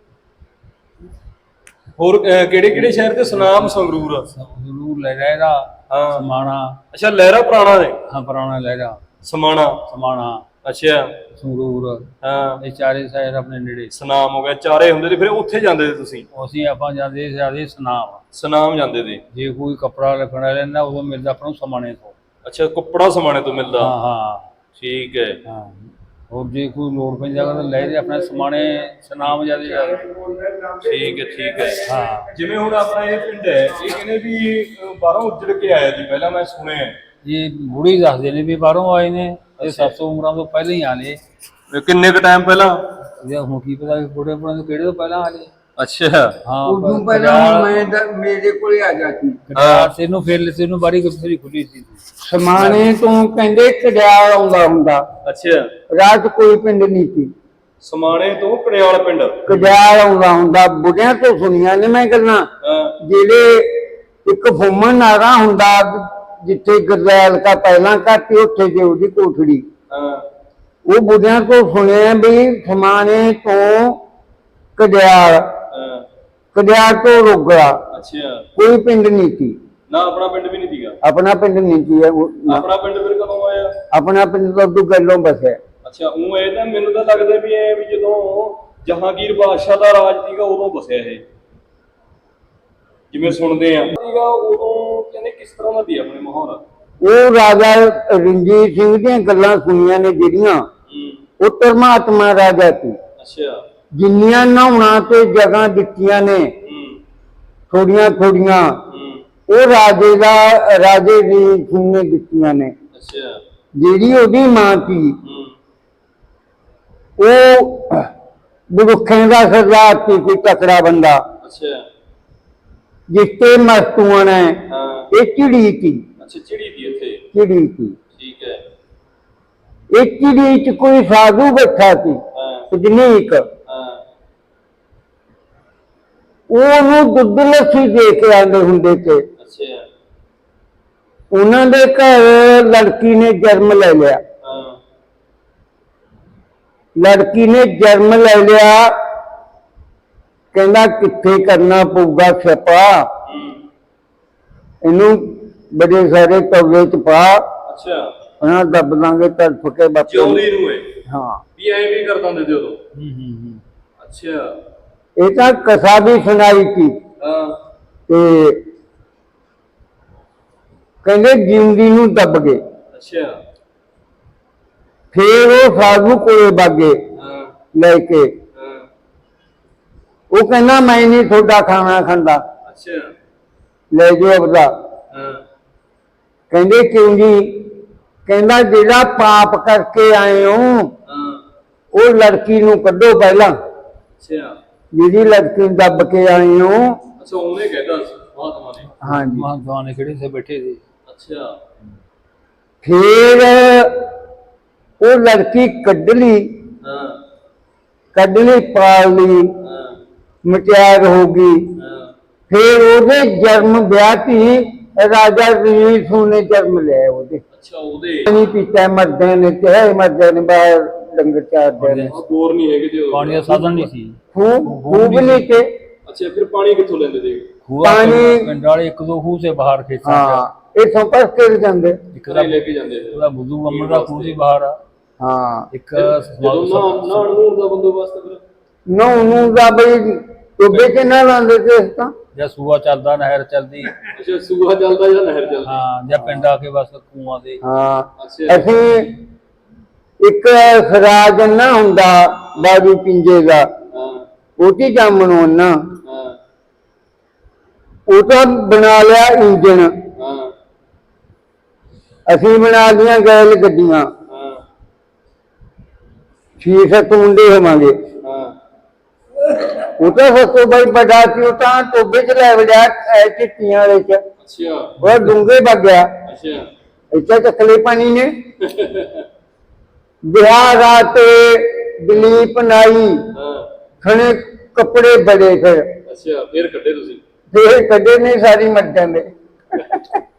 Speaker 2: ਹੋਰ ਕਿਹੜੇ ਸ਼ਹਿਰ ਤੇ? ਸੁਨਾਮ, ਸੰਗਰੂਰ।
Speaker 4: ਜ਼ਰੂਰ ਲਹਿਰਾ,
Speaker 2: ਹਾਂ।
Speaker 4: ਸਮਾਣਾ।
Speaker 2: ਅੱਛਾ, ਲਹਿਰਾ ਪੁਰਾਣਾ ਨੇ।
Speaker 4: ਹਾਂ, ਪੁਰਾਣਾ ਲਹਿਰਾ,
Speaker 2: ਸਮਾਣਾ।
Speaker 4: ਸਮਾਣਾ,
Speaker 2: ਅੱਛਾ।
Speaker 4: ਸੰਗਰੂਰ,
Speaker 2: ਹਾਂ,
Speaker 4: ਇਹ ਚਾਰੇ ਸ਼ਹਿਰ ਆਪਣੇ ਨੇੜੇ।
Speaker 2: ਸੁਨਾਮ ਹੋ ਗਿਆ, ਚਾਰੇ ਹੁੰਦੇ ਤੇ ਫਿਰ ਉੱਥੇ ਜਾਂਦੇ ਤੇ ਤੁਸੀਂ?
Speaker 4: ਅਸੀਂ ਆਪਾਂ ਜਾਂਦੇ ਸੁਨਾਮ।
Speaker 2: ਸੁਨਾਮ ਜਾਂਦੇ ਤੇ?
Speaker 4: ਜੇ ਕੋਈ ਕੱਪੜਾ ਰੱਖਣਾ ਲੈਂਦਾ ਉਦੋਂ ਮਿਲਦਾ ਆਪਾਂ ਨੂੰ ਸਮਾਣੇ ਤੋਂ।
Speaker 2: ਅੱਛਾ, ਕੱਪੜਾ ਸਮਾਣੇ ਤੋਂ ਮਿਲਦਾ।
Speaker 4: ਹਾਂ ਹਾਂ
Speaker 2: ਠੀਕ ਹੈ।
Speaker 4: ਹਾਂ, ਹੋਰ ਜੇ ਕੋਈ ਲੋੜ ਪੈਂਦੀ ਤਾਂ ਲੈ ਜੇ ਆਪਣੇ ਸਮਾਣੇ ਸਨਾਮ ਜਿਆਦੇ ਜਾ
Speaker 2: ਠੀਕ ਹੈ
Speaker 4: ਹਾਂ
Speaker 2: ਜਿਵੇਂ ਹੁਣ ਆਪਣਾ ਇਹ ਪਿੰਡ ਹੈ ਇਹ ਕਹਿੰਦੇ ਵੀ ਬਾਹਰੋਂ ਉੱਜੜ ਕੇ ਆਇਆ ਜੀ ਪਹਿਲਾਂ ਮੈਂ ਸੁਣਿਆ
Speaker 4: ਇਹ ਬੁੜੀ ਦੱਸਦੇ ਨੇ ਵੀ ਬਾਹਰੋਂ ਆਏ ਨੇ ਇਹ 700 ਉਮਰਾਂ ਤੋਂ ਪਹਿਲਾਂ ਹੀ ਆਲੇ
Speaker 2: ਕਿੰਨੇ ਕ ਟਾਈਮ ਪਹਿਲਾਂ
Speaker 4: ਇਹ ਹੁਣ ਕੀ ਪਤਾ ਬੁੜੇ ਬੁੜੇ ਤੋਂ ਕਿਹੜੇ ਤੋਂ ਪਹਿਲਾਂ ਆਲੇ
Speaker 2: ਅੱਛਾ
Speaker 4: ਹਾਂ
Speaker 1: ਉਦੋਂ ਪਹਿਲਾਂ ਮੇਰੇ ਕੋਲੇ ਆ ਜਾਂਦੀ
Speaker 4: ਤੈਨੂੰ ਫਿਰ ਤੈਨੂੰ ਬਾਰੀ ਕਿੱਥੇ ਖੁੱਲੀ ਸੀ
Speaker 1: ਸਮਾਣੇ ਤੋਂ ਕਹਿੰਦੇ ਕੜਿਆਲ ਆਉਂਦਾ ਹੁੰਦਾ
Speaker 2: ਅੱਛਾ
Speaker 1: ਰਾਤ ਕੋਈ ਪਿੰਡ ਨਹੀਂ ਸੀ
Speaker 2: ਸਮਾਣੇ ਤੋਂ ਕੜਿਆਲ ਪਿੰਡ
Speaker 1: ਕੜਿਆਲ ਆਉਂਦਾ ਹੁੰਦਾ ਬੁੱਢਿਆਂ ਤੋਂ ਸੁਣੀਆਂ ਨੇ ਮੈਂ ਗੱਲਾਂ
Speaker 2: ਹਾਂ
Speaker 1: ਜਿਹੜੇ ਇੱਕ ਫੁੰਮਣ ਨਾਰਾ ਹੁੰਦਾ ਜਿੱਥੇ ਗਰਦੈਲ ਕਾ ਪਹਿਲਾਂ ਘਾਟੀ ਉੱਥੇ ਜੇ ਉਹਦੀ ਕੋਠੜੀ
Speaker 2: ਹਾਂ
Speaker 1: ਉਹ ਬੁੱਢਿਆਂ ਤੋਂ ਸੁਣਿਆ ਵੀ ਸਮਾਣੇ ਤੋਂ ਕੜਿਆਲ
Speaker 2: ਹਾਂ
Speaker 1: ਕੜਿਆਲ ਤੋਂ ਰੋਗੜਾ
Speaker 2: ਅੱਛਾ
Speaker 1: ਕੋਈ ਪਿੰਡ ਨਹੀਂ ਸੀ
Speaker 2: ਨਾ ਆਪਣਾ ਪਿੰਡ ਵੀ ਨਹੀਂ ਸੀਗਾ
Speaker 1: ਆਪਣਾ ਪਿੰਡ ਨਹੀਂ ਸੀ
Speaker 2: ਆਪਣਾ ਪਿੰਡ ਫਿਰ ਕਦੋਂ ਆਇਆ
Speaker 1: ਆਪਣਾ ਪਿੰਡ ਤੋਂ ਅੱਗੋਂ ਗੱਲੋਂ ਬਸਿਆ
Speaker 2: ਅੱਛਾ ਉਹ ਇਹ ਤਾਂ ਮੈਨੂੰ ਤਾਂ ਲੱਗਦਾ ਵੀ ਐ ਵੀ ਜਦੋਂ ਜਹਾਂਗੀਰ ਬਾਦਸ਼ਾਹ ਦਾ ਰਾਜ ਸੀਗਾ ਉਦੋਂ ਬਸਿਆ ਇਹ ਜਿਵੇਂ ਸੁਣਦੇ ਆ ਸੀਗਾ ਉਦੋਂ ਕਹਿੰਦੇ ਕਿਸ ਤਰ੍ਹਾਂ ਦਾ ਸੀ ਆਪਣੇ ਮਾਹੌਲ
Speaker 1: ਉਹ ਰਾਜਾ ਰਣਜੀਤ ਸਿੰਘ ਦੀਆਂ ਗੱਲਾਂ ਸੁਣੀਆਂ ਨੇ ਜਿਹੜੀਆਂ ਉਹ ਧਰਮਾਤਮਾ ਰਾਜਾ ਸੀ
Speaker 2: ਅੱਛਾ
Speaker 1: ਜਿੰਨੀਆਂ ਨਹਾਉਣਾ ਤੇ ਜਗ੍ਹਾ ਦਿੱਤੀਆਂ ਨੇ ਥੋੜੀਆਂ ਥੋੜੀਆਂ ਉਹ ਰਾਜੇ ਦੀ ਸਿੰਘ ਨੇ ਦਿੱਤੀਆਂ ਨੇ
Speaker 2: ਅੱਛਾ
Speaker 1: ਜਿਹੜੀ ਉਹਦੀ ਮਾਂ ਸੀ ਉਹ ਬੁਰਖਾਂ ਦਾ ਸਰਦਾਰ ਸੀ ਕੋਈ ਤਕੜਾ ਬੰਦਾ
Speaker 2: ਅੱਛਾ
Speaker 1: ਜਿਸ ਤੇ ਮਸਤੂਆਣਾ
Speaker 2: ਹਾਂ
Speaker 1: ਇਹ ਚਿੜੀ ਸੀ
Speaker 2: ਅੱਛਾ ਚਿੜੀ ਦੀ ਇੱਥੇ
Speaker 1: ਚਿੜੀ ਸੀ
Speaker 2: ਠੀਕ ਹੈ
Speaker 1: ਇਹ ਚਿੜੀ ਚ ਕੋਈ ਸਾਧੂ ਬੈਠਾ ਸੀ
Speaker 2: ਹਾਂ
Speaker 1: ਸਜਨੀਕ
Speaker 2: ਹਾਂ
Speaker 1: ਉਹਨੂੰ ਦੁੱਧ ਲੱਸੀ ਦੇ ਕੇ ਆਉਂਦੇ ਹੁੰਦੇ ਤੇ
Speaker 2: ਅੱਛਾ
Speaker 1: ਉਹਨਾਂ ਦੇ ਘਰ ਲੜਕੀ ਨੇ ਜਨਮ ਲੈ ਲਿਆ
Speaker 2: ਹਾਂ
Speaker 1: ਲੜਕੀ ਨੇ ਜਨਮ ਲੈ ਲਿਆ ਕਹਿੰਦਾ ਕਿੱਥੇ ਕਰਨਾ ਪਊਗਾ ਛਪਾ ਇਹਨੂੰ ਬੜੇ ਸਾਰੇ ਤਵੇ ਚ ਪਾ
Speaker 2: ਅੱਛਾ
Speaker 1: ਉਹਨਾਂ ਦੱਬ ਦਾਂਗੇ ਤੜਫ ਕੇ ਬੱਚੇ
Speaker 2: ਜਿਉਂਦੀ ਨੂੰ ਹੈ
Speaker 1: ਹਾਂ
Speaker 2: ਵੀ ਐਂ ਵੀ ਕਰ ਦਿੰਦੇ ਤੇ ਉਦੋਂ ਅੱਛਾ
Speaker 1: ਇਹ ਤਾਂ ਕਥਾ ਵੀ ਸੁਣਾਈ ਸੀ
Speaker 2: ਹਾਂ
Speaker 1: ਤੇ ਕਹਿੰਦੇ ਜਿਉਂਦੀ ਨੂੰ ਦੱਬ ਗਏ
Speaker 2: ਅੱਛਾ
Speaker 1: ਫੇਰ ਉਹ ਸਾਧੂ ਕੋਲੇ ਬਾਗੇ
Speaker 2: ਹਾਂ
Speaker 1: ਲੈ ਕੇ
Speaker 2: ਹਾਂ
Speaker 1: ਉਹ ਕਹਿੰਦਾ ਮੈਂ ਨਹੀਂ ਤੁਹਾਡਾ ਖਾਣਾ ਖਾਂਦਾ
Speaker 2: ਅੱਛਾ
Speaker 1: ਲੈ ਜਾਓ ਆਪਦਾ
Speaker 2: ਹਾਂ
Speaker 1: ਕਹਿੰਦੇ ਕਿਉਂ ਜੀ ਕਹਿੰਦਾ ਜਿਹੜਾ ਪਾਪ ਕਰਕੇ ਆਏ ਹੋ
Speaker 2: ਹਾਂ
Speaker 1: ਉਹ ਲੜਕੀ ਨੂੰ ਕੱਢੋ ਪਹਿਲਾਂ
Speaker 2: ਅੱਛਾ
Speaker 1: ਜਿਹਦੀ ਲੜਕੀ ਨੂੰ ਦੱਬ ਕੇ ਆਏ ਹੋ
Speaker 2: ਅੱਛਾ ਉਹਨੇ ਕਹਿਤਾ ਸੀ ਮਹਾਤਮਾ ਨੇ
Speaker 1: ਹਾਂਜੀ
Speaker 4: ਮਹਾਨ ਨੇ ਕਿਹੜੇ ਸੇ ਬੈਠੇ ਸੀ
Speaker 2: ਅੱਛਾ
Speaker 1: ਫੇਰ ਉਹ ਲੜਕੀ ਕੱਢ ਲਈ
Speaker 2: ਹਾਂ
Speaker 1: ਕੱਢ ਲਈ ਪਾਲ ਲਈ
Speaker 2: ਹਾਂ
Speaker 1: ਮਟਿਆਰ ਹੋ ਗਈ
Speaker 2: ਹਾਂ
Speaker 1: ਫੇਰ ਉਹਦੇ ਜਨਮ ਵਿਆਹ ਤੀ ਰਾਜਾ ਰਣਜੀਤ ਸਿੰਘ ਨੇ ਜਨਮ ਲਿਆ ਉਹਦੇ
Speaker 2: ਅੱਛਾ ਉਹਦੇ
Speaker 1: ਪਾਣੀ ਪੀਤਾ ਮਰਦੇ ਨੇ ਤੇ ਮਰਦੇ ਨੇ ਬਾਹਰ ਡੰਗਰ ਚਾਰਦੇ ਨੇ
Speaker 2: ਬੋਰ ਨਹੀਂ ਹੈਗੇ ਤੇ
Speaker 4: ਪਾਣੀ ਦਾ ਸਾਧਨ ਨਹੀਂ ਸੀ
Speaker 1: ਖੂਬ ਨਹੀਂ ਤੇ
Speaker 2: ਅੱਛਾ ਫਿਰ ਪਾਣੀ ਕਿੱਥੋਂ ਲੈਂਦੇ ਤੇ
Speaker 1: ਪਾਣੀ
Speaker 4: ਪਿੰਡ ਵਾਲੇ ਇੱਕ ਦੋ ਖੂਹ ਸੇ ਬਾਹਰ ਖੇਤਾਂ
Speaker 1: ਹਾਂ ਇਹ ਸੰਪਰਕ ਕਰ ਜਾਂਦੇ
Speaker 4: ਇੱਕ
Speaker 2: ਘਰੇ ਲੈ ਕੇ ਜਾਂਦੇ ਸੀ
Speaker 4: ਉਹਦਾ ਬੁੱਧੂ ਅੰਮ੍ਰਿਤ ਦਾ ਖੂਹ ਸੀ ਬਾਹਰ
Speaker 1: ਹਾਂ
Speaker 4: ਇੱਕ
Speaker 2: ਜਦੋਂ ਨਹਾਉਣ ਨੂਣ ਦਾ ਬੰਦੋਬਸਤ ਫਿਰ
Speaker 1: ਨੂੰ ਦਾ ਬਈ ਟੋਬੇ ਚ ਨਾ ਲਾਉਂਦੇ ਤੇ ਇਸ ਤਾਂ
Speaker 4: ਜਾਂ ਸੂਆ ਚੱਲਦਾ ਨਹਿਰ ਚੱਲਦੀ
Speaker 2: ਅੱਛਾ ਸੂਆ ਚੱਲਦਾ ਜਾਂ ਨਹਿਰ ਚੱਲਦੀ
Speaker 4: ਹਾਂ ਜਾਂ ਪਿੰਡ ਆ ਕੇ ਬਸ ਖੂਹਾਂ ਦੇ
Speaker 1: ਹਾਂ
Speaker 2: ਅੱਛਾ
Speaker 1: ਅਸੀਂ ਇੱਕ ਖਰਾਜ ਨਾ ਹੁੰਦਾ ਬਾਬੂ ਪਿੰਜੇ ਦਾ
Speaker 2: ਹਾਂ
Speaker 1: ਉਹਦੀ ਜਾਮਣੋਂ ਨਾ
Speaker 2: ਹਾਂ
Speaker 1: ਉਹ ਤਾਂ ਬਣਾ ਲਿਆ ਇੰਜਣ
Speaker 2: ਹਾਂ
Speaker 1: ਅਸੀਂ ਬਣਾ ਲੀਆਂ ਗੈਲ ਗੱਡੀਆਂ
Speaker 2: ਹਾਂ
Speaker 1: 6-7 ਮੁੰਡੇ ਹੋਵਾਂਗੇ
Speaker 2: ਹਾਂ
Speaker 1: ਉਹ ਤਾਂ ਸਸੋ ਬਾਈ ਵੱਡਾ ਸੀ ਉਹ ਤਾਂ ਟੋਬੇ ਚ ਲੈ ਵੜਿਆ ਚਿੱਟੀਆਂ ਵਾਲੇ ਚ
Speaker 2: ਅੱਛਾ
Speaker 1: ਉਹ ਡੂੰਘੇ ਵਗ ਗਿਆ
Speaker 2: ਅੱਛਾ
Speaker 1: ਇੱਥੇ ਚੱਕਲੇ ਪਾਣੀ ਨੇ ਬਿਹਾਰ ਰਾਤ ਦਲੀਪ ਨਾਈ
Speaker 2: ਹਾਂ
Speaker 1: ਖਣੇ ਕੱਪੜੇ ਬੜੇ ਫਿਰ
Speaker 2: ਅੱਛਾ ਫਿਰ ਕੱਢੇ ਤੁਸੀਂ
Speaker 1: ਫੇਰ ਕੱਢੇ ਨਹੀਂ ਸਾਰੀ ਮਰ ਜਾਂਦੇ